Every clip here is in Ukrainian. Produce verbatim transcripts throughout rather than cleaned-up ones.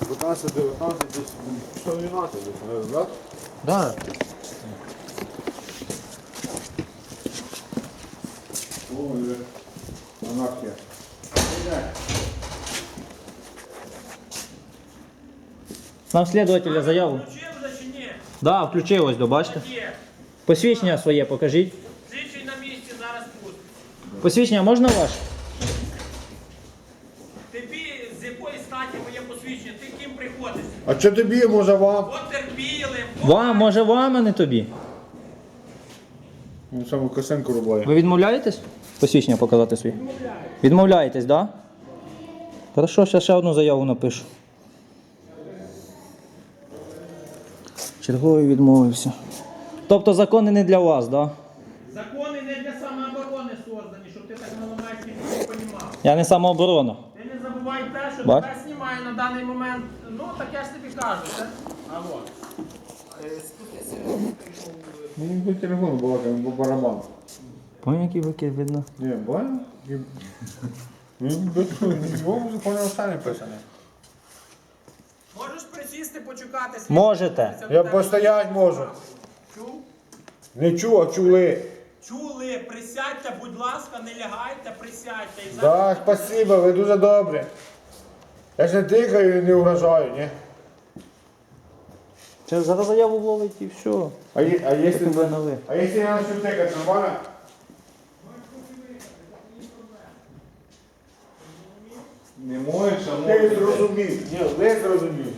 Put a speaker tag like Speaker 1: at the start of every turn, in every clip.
Speaker 1: дев'ятнадцять, дев'ятнадцять, десь сто дванадцять десь, наверное, так?
Speaker 2: Да.
Speaker 1: Ой, вже анархія.
Speaker 2: Нам слідувателя заяву.
Speaker 3: Включив вже чи ні?
Speaker 2: Да, включив ось, до, бачите?
Speaker 3: Є.
Speaker 2: Посвідчення своє покажіть.
Speaker 3: Слідчий на місці, зараз пусть.
Speaker 2: Посвідчення можна ваше?
Speaker 3: Тобі з якої статі моє посвідчення? Ти ким приходиш?
Speaker 1: А що тобі, може вам?
Speaker 3: Потерпілим.
Speaker 2: Вам, може вам, а не тобі.
Speaker 1: Він саме косинку рубає.
Speaker 2: Ви відмовляєтесь? Посвідчення показати свої? Відмовляєтесь, так? Да? Хорошо, зараз ще одну заяву напишу. Черговий відмовився. Тобто закони не для вас, так? Да?
Speaker 3: Закони не для самооборони создані, щоб ти так маломайськи не розумів.
Speaker 2: Я не самооборона.
Speaker 3: Ти не забувай те, що
Speaker 2: Бач?
Speaker 3: тебе знімає на даний момент. Ну, так я ж тобі кажу, це. А от.
Speaker 1: Ну, він по телефону балакає, бо барабан.
Speaker 2: Пам'ятаєте, який викид видно?
Speaker 1: Ні, бачиш? Він без його вже поняв останнє писане.
Speaker 3: Можеш присісти, почекати. слідчий.
Speaker 2: Можете.
Speaker 3: Це в
Speaker 1: Я
Speaker 3: тебе
Speaker 1: постоять можу.
Speaker 3: Чув?
Speaker 1: Не чув, а чули.
Speaker 3: Чули, присядьте, будь ласка, не лягайте, присядьте. І
Speaker 1: Так, спасибо, ви дуже добрі. Я ж не тикаю і не угрожаю, ні?
Speaker 2: Це зараз заяву вловить і все.
Speaker 1: А, є- а якщо
Speaker 2: Ви на ви.
Speaker 1: а якщо я начну тикати, нормально?
Speaker 4: Не можеш, а
Speaker 1: Ти
Speaker 4: можеш.
Speaker 1: зрозумів. Ні, ви зрозумів.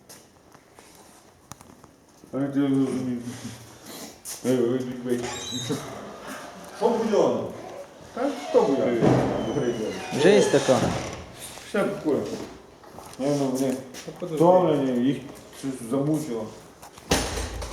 Speaker 1: А ти зрозумів. Ей, ей, ей, ей.
Speaker 4: Що бульону?
Speaker 1: Та хто буде?
Speaker 2: Жесть така.
Speaker 1: Все такое. Я ну, блин, втомлені, їх щось замучило.